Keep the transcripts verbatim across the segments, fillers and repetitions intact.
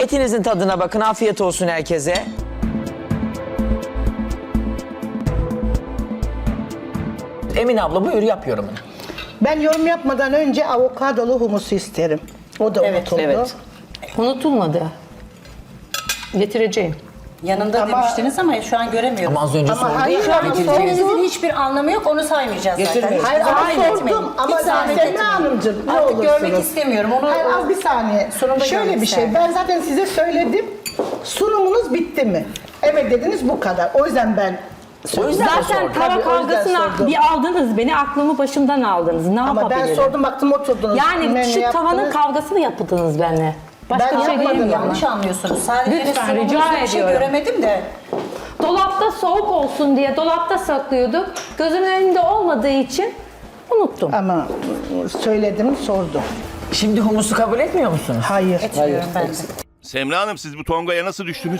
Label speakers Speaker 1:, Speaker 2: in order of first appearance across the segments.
Speaker 1: Etinizin tadına bakın. Afiyet olsun herkese. Emine abla buyur yap yorumunu.
Speaker 2: Ben yorum yapmadan önce avokadolu humusu isterim. O da
Speaker 3: Evet,
Speaker 2: unutuldu.
Speaker 1: evet.
Speaker 4: Unutulmadı. Getireceğim.
Speaker 3: Yanında
Speaker 2: Ama-
Speaker 3: demiştiniz ama şu an göremiyorum.
Speaker 1: Ama az önce
Speaker 2: Ama
Speaker 1: sordu
Speaker 2: hayır,
Speaker 1: ya.
Speaker 2: şu an
Speaker 1: getireceğim.
Speaker 3: Söylemenizin hiçbir anlamı yok, onu saymayacağız zaten.
Speaker 1: Getirmiyoruz.
Speaker 2: Hayır ama
Speaker 3: Zahmet etmeyin.
Speaker 2: sordum ama
Speaker 3: Hiç zahmet
Speaker 2: Semra
Speaker 3: etmeyin.
Speaker 2: Hanımcığım ne
Speaker 3: Artık
Speaker 2: olursunuz.
Speaker 3: görmek istemiyorum. Onu
Speaker 2: Hayır az bir saniye.
Speaker 3: Sunumda
Speaker 2: Şöyle
Speaker 3: görmek
Speaker 2: bir şey.
Speaker 3: isterdim.
Speaker 2: Ben zaten size söyledim. Sunumunuz bitti mi? Evet dediniz bu kadar. O yüzden ben
Speaker 1: O yüzden mi
Speaker 4: Zaten
Speaker 1: sordun?
Speaker 4: tava
Speaker 2: Tabii, o yüzden
Speaker 4: kavgasına
Speaker 2: sordum.
Speaker 4: bir aldınız beni, aklımı başımdan aldınız. Ne
Speaker 2: ama ben
Speaker 4: yapabilirim?
Speaker 2: sordum baktım oturdunuz.
Speaker 4: Yani
Speaker 2: Bilmem
Speaker 4: şu
Speaker 2: ne
Speaker 4: tavanın
Speaker 2: yaptınız.
Speaker 4: kavgasını yaptınız benimle. Başka
Speaker 2: Ben
Speaker 4: bir şey
Speaker 2: yapmadım,
Speaker 4: diyemiyorum.
Speaker 3: yanlış anlıyorsunuz. Sadece
Speaker 4: Lütfen,
Speaker 3: sunumunuzda
Speaker 4: rica
Speaker 3: bir şey
Speaker 4: ediyorum.
Speaker 3: göremedim de.
Speaker 4: Dolapta soğuk olsun diye dolapta saklıyorduk. Gözümün önünde olmadığı için unuttum.
Speaker 2: Ama söyledim sordum.
Speaker 1: Şimdi humusu kabul etmiyor musunuz?
Speaker 2: Hayır.
Speaker 3: Etmiyorum ben de.
Speaker 5: Semra Hanım siz bu tongaya nasıl düştünüz?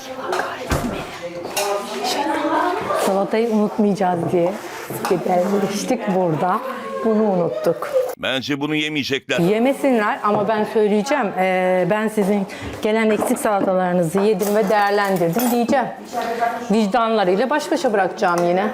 Speaker 4: Salatayı unutmayacağız diye gidermiştik burada. Bunu unuttuk.
Speaker 5: Bence bunu yemeyecekler.
Speaker 4: Yemesinler ama ben söyleyeceğim. Ee, ben sizin gelen eksik salatalarınızı yedim ve değerlendirdim diyeceğim. Vicdanlarıyla baş başa bırakacağım yine.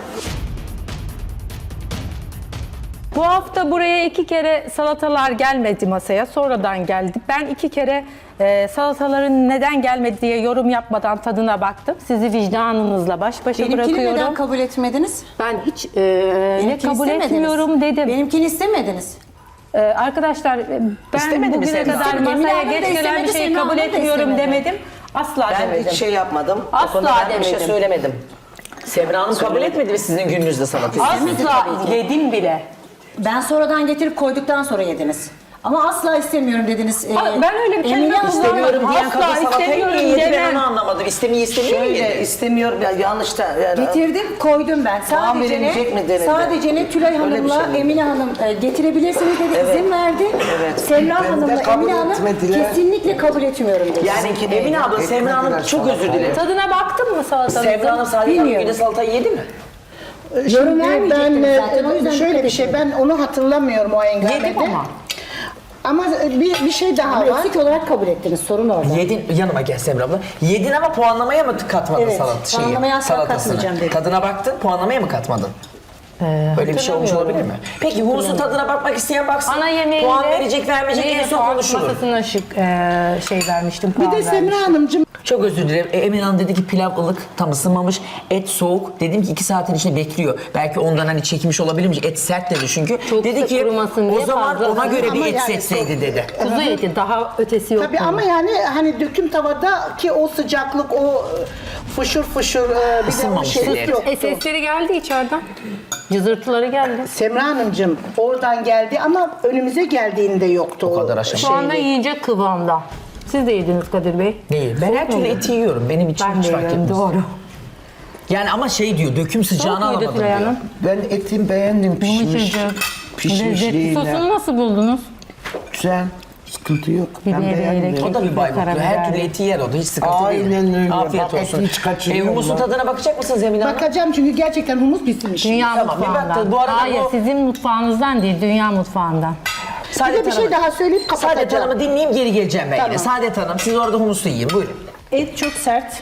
Speaker 4: Bu hafta buraya iki kere salatalar gelmedi masaya. Sonradan geldi. Ben iki kere e, salataların neden gelmedi diye yorum yapmadan tadına baktım. Sizi vicdanınızla baş başa
Speaker 3: Benimkini
Speaker 4: bırakıyorum.
Speaker 3: neden kabul etmediniz?
Speaker 4: Ben hiç e, ne
Speaker 3: Benimkini
Speaker 4: kabul
Speaker 3: istemediniz.
Speaker 4: etmiyorum dedim.
Speaker 3: Benimkini istemediniz.
Speaker 4: Ee, arkadaşlar ben
Speaker 1: İstemedi mi
Speaker 4: bugüne
Speaker 1: Semra?
Speaker 4: kadar
Speaker 3: İstemedi. Emine
Speaker 4: masaya
Speaker 3: Hanım da
Speaker 4: geç gelen bir
Speaker 3: istemedi,
Speaker 4: şeyi
Speaker 3: Semra
Speaker 4: kabul
Speaker 3: Hanım da
Speaker 4: etmiyorum
Speaker 3: istemedi.
Speaker 4: demedim. Asla
Speaker 1: Ben
Speaker 4: demedim.
Speaker 1: hiç şey yapmadım. O
Speaker 4: Asla
Speaker 1: konuda ben bir şey
Speaker 4: demedim.
Speaker 1: söylemedim. Semra Hanım kabul etmedi mi sizin gününüzde salatayı?
Speaker 4: Asla yedim bile.
Speaker 3: Ben sonradan getirip koyduktan sonra yediniz. Ama asla istemiyorum dediniz. Ee,
Speaker 4: Aa, ben öyle bir kelime
Speaker 3: Emine Hanım-
Speaker 1: İstemiyorum diyen
Speaker 4: Asla
Speaker 1: kadın salatayı niye
Speaker 4: istemiyorum
Speaker 1: yedi ben
Speaker 4: demem.
Speaker 1: onu anlamadım. İstemeyi istemiyor
Speaker 6: Şöyle
Speaker 1: yedi.
Speaker 6: istemiyorum ya yanlış da yani.
Speaker 3: Getirdim, koydum ben. Sadece
Speaker 6: verilecek mi
Speaker 3: ne?
Speaker 6: denildi?
Speaker 3: Sadece ne Tülay
Speaker 6: Öyle bir
Speaker 3: Hanım'la
Speaker 6: şey mi?
Speaker 3: Emine Hanım e, getirebilirsiniz dedi, izin verdi.
Speaker 6: Evet.
Speaker 3: Semra
Speaker 6: Ben de
Speaker 3: Hanım'la
Speaker 6: kabul
Speaker 3: Emine Hanım
Speaker 6: etmediler.
Speaker 3: kesinlikle kabul etmiyorum dedi.
Speaker 1: Yani
Speaker 6: Sizinkini
Speaker 1: Emine abla Semra Hanım
Speaker 6: etmediler
Speaker 1: çok özür
Speaker 6: salatayı.
Speaker 1: dilerim.
Speaker 4: Tadına baktın mı salatanızın?
Speaker 1: Semra Hanım sadece Hanım
Speaker 3: Bilmiyorum.
Speaker 1: günde salatayı yedi mi?
Speaker 3: Yorum
Speaker 2: Şimdi ben
Speaker 3: vermeyecektiniz
Speaker 2: e,
Speaker 3: zaten, o yüzden
Speaker 2: şöyle
Speaker 3: dikkat
Speaker 2: bir şey
Speaker 3: edin.
Speaker 2: ben onu hatırlamıyorum o engelmede.
Speaker 4: Yedim ama.
Speaker 2: Ama bir, bir şey daha
Speaker 3: Ama
Speaker 2: var.
Speaker 3: eksik olarak kabul ettiniz, sorun orada.
Speaker 1: Yedin, yanıma gel Semra abla. Yedin ama puanlamaya mı katmadın
Speaker 3: Evet,
Speaker 1: salat şeyi?
Speaker 3: puanlamaya asla
Speaker 1: salatasını?
Speaker 3: katmayacağım dedim.
Speaker 1: Tadına baktın, puanlamaya mı katmadın? Böyle bir şey olmuş olabilir mi? Peki humusun tadına bakmak isteyen baksın.
Speaker 4: Ana yemeğinde
Speaker 1: Puan verecek vermeyecek en son konuşulur.
Speaker 4: masasına şık e, şey vermiştim.
Speaker 2: Bir
Speaker 4: puan
Speaker 2: de Semra
Speaker 4: vermiştim.
Speaker 2: Hanımcığım
Speaker 1: Çok özür dilerim. E, Emine Hanım dedi ki pilav ılık, tam ısınmamış. Et soğuk. Dedim ki iki saatin içinde bekliyor. Belki ondan hani çekmiş olabilirmiş. Et sert dedi çünkü.
Speaker 4: Çok
Speaker 1: dedi
Speaker 4: da
Speaker 1: ki
Speaker 4: kurumasın
Speaker 1: o
Speaker 4: diye
Speaker 1: zaman
Speaker 4: fazla-
Speaker 1: ona göre bir
Speaker 2: Ama
Speaker 1: et
Speaker 2: yani
Speaker 1: seçseydi dedi.
Speaker 4: Kuzu eti daha ötesi yok.
Speaker 2: tabii
Speaker 4: bunun.
Speaker 2: ama yani hani döküm tavadaki o sıcaklık o e, fışır fışır e, bir de o
Speaker 1: Isınmamış
Speaker 2: şeylik
Speaker 1: et.
Speaker 2: yoktu.
Speaker 4: E, sesleri geldi içeriden. Cızırtıları geldi.
Speaker 2: Semra Hanımcığım oradan geldi ama önümüze geldiğinde yoktu.
Speaker 1: O kadar aşama.
Speaker 4: Şu anda yiyecek kıvamda. Siz de yediniz Kadir Bey.
Speaker 1: Değil. Ben her türlü eti yiyorum. Benim için
Speaker 4: Ben
Speaker 1: hiç
Speaker 4: de
Speaker 1: fark
Speaker 4: yiyorum,
Speaker 1: etmez.
Speaker 4: doğru.
Speaker 1: Yani ama şey diyor, döküm sıcağını
Speaker 4: Soğuk muydu
Speaker 1: alamadım
Speaker 4: Tülay
Speaker 1: diyor.
Speaker 4: Hanım?
Speaker 6: Ben etim beğendim pişmiş.
Speaker 4: Yumuşacık. Lezzetli.
Speaker 6: Pişmişliğine.
Speaker 4: Sosunu nasıl buldunuz?
Speaker 6: Güzel. Sıkıntı yok. Ben
Speaker 4: Biberiyerek.
Speaker 6: beğendim.
Speaker 1: O da bir baybutlu. Her
Speaker 4: Karabiber.
Speaker 1: türlü eti yer o da. Hiç sıkıntı değil.
Speaker 6: Aynen öyle.
Speaker 1: Afiyet
Speaker 6: Bak,
Speaker 1: olsun.
Speaker 6: eti hiç kaçırıyor
Speaker 1: E, humusun
Speaker 6: mu?
Speaker 1: tadına bakacak mısınız Emine Hanım?
Speaker 2: Bakacağım çünkü gerçekten humus pişmiş.
Speaker 4: Dünya
Speaker 1: Tamam, bir
Speaker 4: mutfağından.
Speaker 1: baktı. Bu arada
Speaker 4: Hayır,
Speaker 1: bu-
Speaker 4: sizin mutfağınızdan değil, dünya mutfağından.
Speaker 2: Bir
Speaker 1: Saadet
Speaker 2: de bir şey
Speaker 1: Hanım-
Speaker 2: daha söyleyip
Speaker 1: Saadet
Speaker 2: kapatacağım.
Speaker 1: Hanım'ı dinleyeyim geri geleceğim ben yine.
Speaker 2: Tamam.
Speaker 1: Saadet Hanım siz orada humusu yiyin buyurun.
Speaker 3: Et çok sert.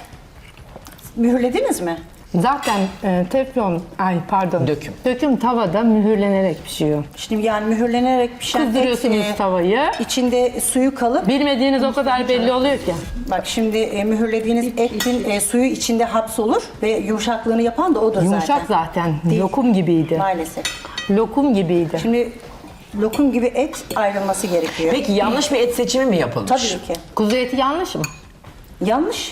Speaker 3: Mühürlediniz mi?
Speaker 4: Zaten e, teflon, ay pardon.
Speaker 1: Döküm.
Speaker 4: Döküm tavada mühürlenerek pişiyor.
Speaker 3: Şimdi yani mühürlenerek pişen et,
Speaker 4: Kızdırıyorsunuz
Speaker 3: e,
Speaker 4: tavayı.
Speaker 3: içinde suyu kalıp,
Speaker 4: Bilmediğiniz o kadar belli oluyor ki.
Speaker 3: bak şimdi e, mühürlediğiniz etin e, suyu içinde hapsolur ve yumuşaklığını yapan da odur
Speaker 4: Yumuşak
Speaker 3: zaten.
Speaker 4: zaten.
Speaker 3: Değil.
Speaker 4: Lokum gibiydi.
Speaker 3: Maalesef.
Speaker 4: Lokum gibiydi.
Speaker 3: Şimdi lokum gibi et ayrılması gerekiyor.
Speaker 1: Peki yanlış bir et seçimi mi yapılmış?
Speaker 3: Tabii ki.
Speaker 4: Kuzu eti yanlış mı?
Speaker 3: Yanlış.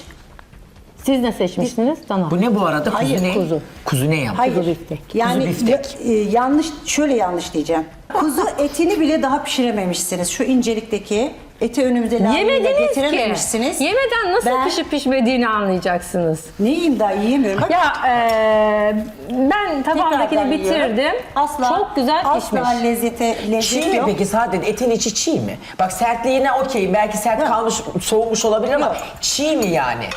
Speaker 4: Siz ne seçmiştiniz? Dana.
Speaker 1: Bu ne bu arada? Kuzu
Speaker 3: Hayır,
Speaker 1: ne?
Speaker 4: kuzu.
Speaker 1: Kuzu ne yaptı?
Speaker 3: Hayır.
Speaker 4: Kuzu biftek.
Speaker 3: Yani
Speaker 1: Kuzu biftek.
Speaker 3: ya- e, yanlış, şöyle yanlış diyeceğim. Kuzu etini bile daha pişirememişsiniz. Şu incelikteki eti önümüze layığıyla
Speaker 4: Yemediniz
Speaker 3: getirememişsiniz.
Speaker 4: ki. Yemeden nasıl
Speaker 3: Ben-
Speaker 4: pişip pişmediğini anlayacaksınız.
Speaker 3: Ne yiyeyim daha yiyemiyorum. Bak,
Speaker 4: Ya e, ben
Speaker 3: tekrardan
Speaker 4: tabağındakini
Speaker 3: yiyorum.
Speaker 4: bitirdim.
Speaker 3: Asla,
Speaker 4: Çok güzel pişmiş.
Speaker 3: Asla lezzete,
Speaker 1: Çiğ
Speaker 3: lezzet
Speaker 1: mi
Speaker 3: yok.
Speaker 1: peki Saadet? Etin içi çiğ mi? Bak sertliğine okey. Belki sert
Speaker 3: Yok.
Speaker 1: kalmış, soğumuş olabilir ama
Speaker 3: Yok.
Speaker 1: çiğ mi yani?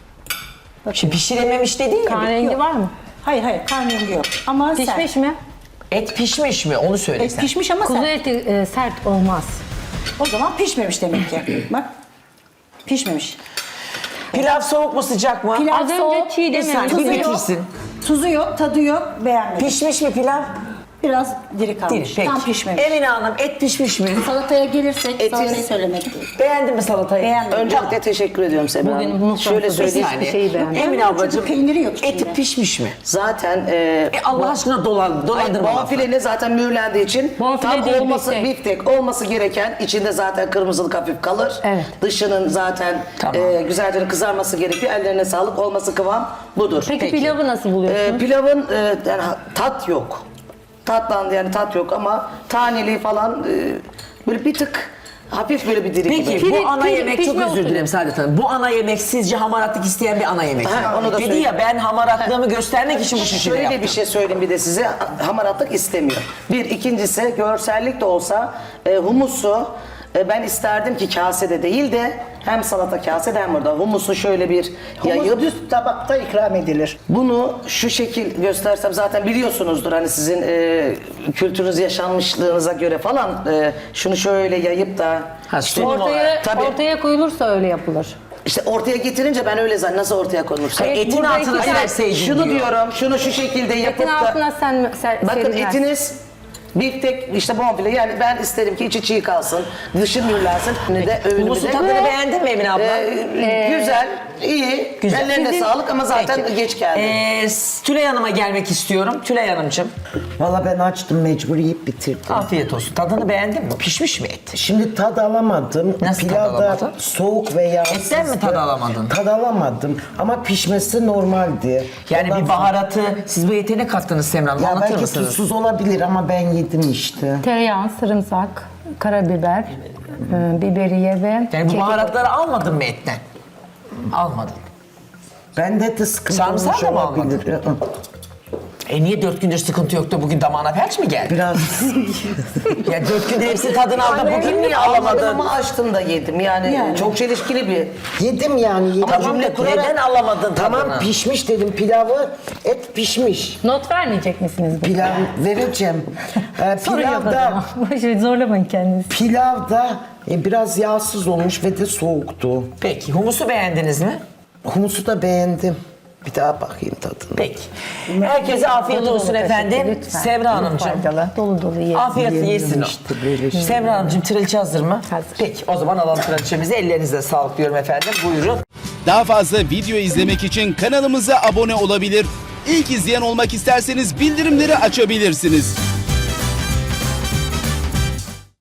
Speaker 1: Şimdi pişirememiş dedin ya.
Speaker 4: Kan rengi
Speaker 3: Yok.
Speaker 4: var mı?
Speaker 3: Hayır hayır kan rengi yok. Ama
Speaker 4: Pişmiş
Speaker 3: sert.
Speaker 4: mi?
Speaker 1: Et pişmiş mi? Onu söyle
Speaker 3: Et
Speaker 1: sen.
Speaker 3: pişmiş ama
Speaker 4: Kuzu
Speaker 3: sert.
Speaker 4: eti e, sert olmaz.
Speaker 3: O zaman pişmemiş demek ki. Bak pişmemiş.
Speaker 1: Pilav soğuk mu sıcak mı?
Speaker 3: Pilav
Speaker 4: Az
Speaker 3: soğuk,
Speaker 4: önce çiğ
Speaker 1: Bir saniye
Speaker 4: dememiş.
Speaker 1: bir
Speaker 3: Tuzu yok.
Speaker 1: bitirsin.
Speaker 3: Tuzu yok, tadı yok, beğenmedim.
Speaker 1: Pişmiş mi pilav?
Speaker 3: Biraz diri
Speaker 1: Değil.
Speaker 3: kalmış.
Speaker 1: Peki.
Speaker 3: Tam pişmemiş.
Speaker 1: Emine Hanım et pişmiş mi?
Speaker 7: Salataya gelirsek
Speaker 6: Eti-
Speaker 7: salatayı söylemek.
Speaker 1: Beğendin mi salatayı?
Speaker 3: Beğendim.
Speaker 6: Öncelikle teşekkür ediyorum Semra
Speaker 4: Bugün
Speaker 6: Hanım.
Speaker 4: mutfakta
Speaker 6: Şöyle
Speaker 4: bir
Speaker 6: söyleyeyim.
Speaker 4: saniye. şeyi beğendim.
Speaker 1: Emine
Speaker 3: Çünkü
Speaker 1: ablacığım
Speaker 3: peyniri yok içinde.
Speaker 1: eti pişmiş mi?
Speaker 6: Zaten e,
Speaker 1: E Allah aşkına dolan, dolandırma. lafı.
Speaker 6: bonfileni zaten mühürlendiği için
Speaker 4: Bonfile
Speaker 6: tam
Speaker 4: değil,
Speaker 6: olması
Speaker 4: biftek.
Speaker 6: biftek olması gereken içinde zaten kırmızılık hafif kalır.
Speaker 4: Evet.
Speaker 6: Dışının zaten
Speaker 1: Tamam.
Speaker 6: e, güzelce kızarması gerekiyor. Ellerine sağlık olması kıvam budur.
Speaker 4: Peki, pilavı nasıl buluyorsun?
Speaker 6: E, pilavın e, yani ha- tat yok. Tatlandı yani tat yok ama taneli falan e, böyle bir tık hafif böyle bir diri
Speaker 1: Peki
Speaker 6: gibi.
Speaker 4: Piri-
Speaker 1: bu ana
Speaker 4: piri-
Speaker 1: yemek çok
Speaker 4: pişme
Speaker 1: özür
Speaker 4: usulü.
Speaker 1: dilerim Saadet Hanım. Bu ana yemek sizce hamaratlık isteyen bir ana yemek mi?
Speaker 6: Ha, onu da
Speaker 1: Dedi
Speaker 6: söyleyeyim.
Speaker 1: ya ben hamaratlığımı göstermek için bu şişeyi
Speaker 6: Şöyle
Speaker 1: yaptım.
Speaker 6: bir şey söyleyeyim bir de size. Hamaratlık istemiyor. Bir, ikincisi görsellik de olsa e, humusu e, ben isterdim ki kasede değil de hem salata kasede hem burada humusu şöyle bir
Speaker 2: Humus
Speaker 6: yayıp
Speaker 2: düz tabakta ikram edilir.
Speaker 6: bunu şu şekil göstersem zaten biliyorsunuzdur hani sizin e, kültürünüz yaşanmışlığınıza göre falan e, şunu şöyle yayıp da
Speaker 1: Ha,
Speaker 6: işte,
Speaker 1: sunum olarak.
Speaker 4: Ortaya,
Speaker 6: Tabii.
Speaker 4: ortaya koyulursa öyle yapılır.
Speaker 6: işte ortaya getirince ben öyle zannediyorum. Nasıl ortaya konulursa.
Speaker 4: Evet,
Speaker 1: Etin
Speaker 4: burada
Speaker 1: altına
Speaker 4: iki-
Speaker 1: serseydin
Speaker 6: Şunu
Speaker 1: diyor.
Speaker 6: diyorum, şunu şu şekilde yapıp
Speaker 4: Etin
Speaker 6: da...
Speaker 4: altına sen ser,
Speaker 6: Bakın
Speaker 4: serilmez.
Speaker 6: etiniz biftek işte bonfile yani ben isterim ki içi çiğ kalsın, dışı mühürlensin. Ne de öğünümü
Speaker 1: Humusu
Speaker 6: de...
Speaker 1: tadını beğendin mi Emine abla?
Speaker 6: Ee, güzel, iyi.
Speaker 1: Güzel.
Speaker 6: Ellerine
Speaker 1: Sizin-
Speaker 6: sağlık ama zaten
Speaker 1: Peki.
Speaker 6: geç geldi.
Speaker 1: Ee, Tülay Hanım'a gelmek istiyorum. Tülay Hanımcığım
Speaker 6: Valla ben açtım mecbur yiyip bitirdim.
Speaker 1: afiyet olsun. Tadını beğendin mi? Pişmiş mi et?
Speaker 8: Şimdi tad alamadım.
Speaker 1: Nasıl tad
Speaker 8: Pilav da
Speaker 1: alamadın?
Speaker 8: soğuk ve yağsızdı.
Speaker 1: Etten mi tad alamadın?
Speaker 8: Tad alamadım ama pişmesi normaldi.
Speaker 1: Yani
Speaker 8: Ondan
Speaker 1: bir baharatı, siz bu ete ne kattınız Semra Hanım?
Speaker 8: Ya
Speaker 1: Anlatır
Speaker 8: belki
Speaker 1: mısınız?
Speaker 8: tuzsuz olabilir ama ben yedim işte.
Speaker 4: Tereyağı, sarımsak, karabiber, e, biberiye ve
Speaker 1: Yani bu
Speaker 4: kekik.
Speaker 1: baharatları almadın mı etten? Almadın.
Speaker 8: Ben de de sıkıntı
Speaker 1: Sarımsağı
Speaker 8: olmuş
Speaker 1: da mı
Speaker 8: olabilir. Hı hı.
Speaker 1: E niye dört gündür sıkıntı yok da bugün damağına felç mi geldi?
Speaker 8: Biraz
Speaker 1: Ya dört gündür hepsi tadını aldı. Bugün niye
Speaker 6: Alamadım
Speaker 1: alamadın?
Speaker 6: ama açtım da yedim. Yani,
Speaker 3: Yani.
Speaker 6: çok çelişkili bir...
Speaker 8: yedim yani. Yedim.
Speaker 1: Tamam
Speaker 8: Cümle
Speaker 1: da
Speaker 8: kurarak-
Speaker 1: neden alamadın
Speaker 8: Tamam
Speaker 1: tadını?
Speaker 8: pişmiş dedim pilavı. Et pişmiş.
Speaker 4: Not vermeyecek misiniz? bu?
Speaker 8: Pilav vereceğim. Ee,
Speaker 4: Sorun yok o
Speaker 8: pilavda
Speaker 4: zaman. Boşver, zorlamayın kendinizi.
Speaker 8: pilavda e, biraz yağsız olmuş ve de soğuktu.
Speaker 1: Peki humusu beğendiniz mi?
Speaker 8: Humusu da beğendim. Bir daha bakayım tadına.
Speaker 1: Peki. Herkese afiyet
Speaker 4: Dolu
Speaker 1: olsun
Speaker 4: dolu
Speaker 1: efendim.
Speaker 4: teşekkür, lütfen.
Speaker 1: Sevra Hanımcığım.
Speaker 4: Faydalı, dolu dolu yiyin.
Speaker 1: Afiyet
Speaker 8: Yiyelim
Speaker 1: yesin o.
Speaker 8: işte böyle şey.
Speaker 1: Sevra Hanımcığım trilçe hazır mı?
Speaker 4: Hazır.
Speaker 1: Peki o zaman alalım trilçemizi. Ellerinize sağlık diyorum efendim. Buyurun.
Speaker 9: Daha fazla video izlemek için kanalımıza abone olabilir. İlk izleyen olmak isterseniz bildirimleri açabilirsiniz.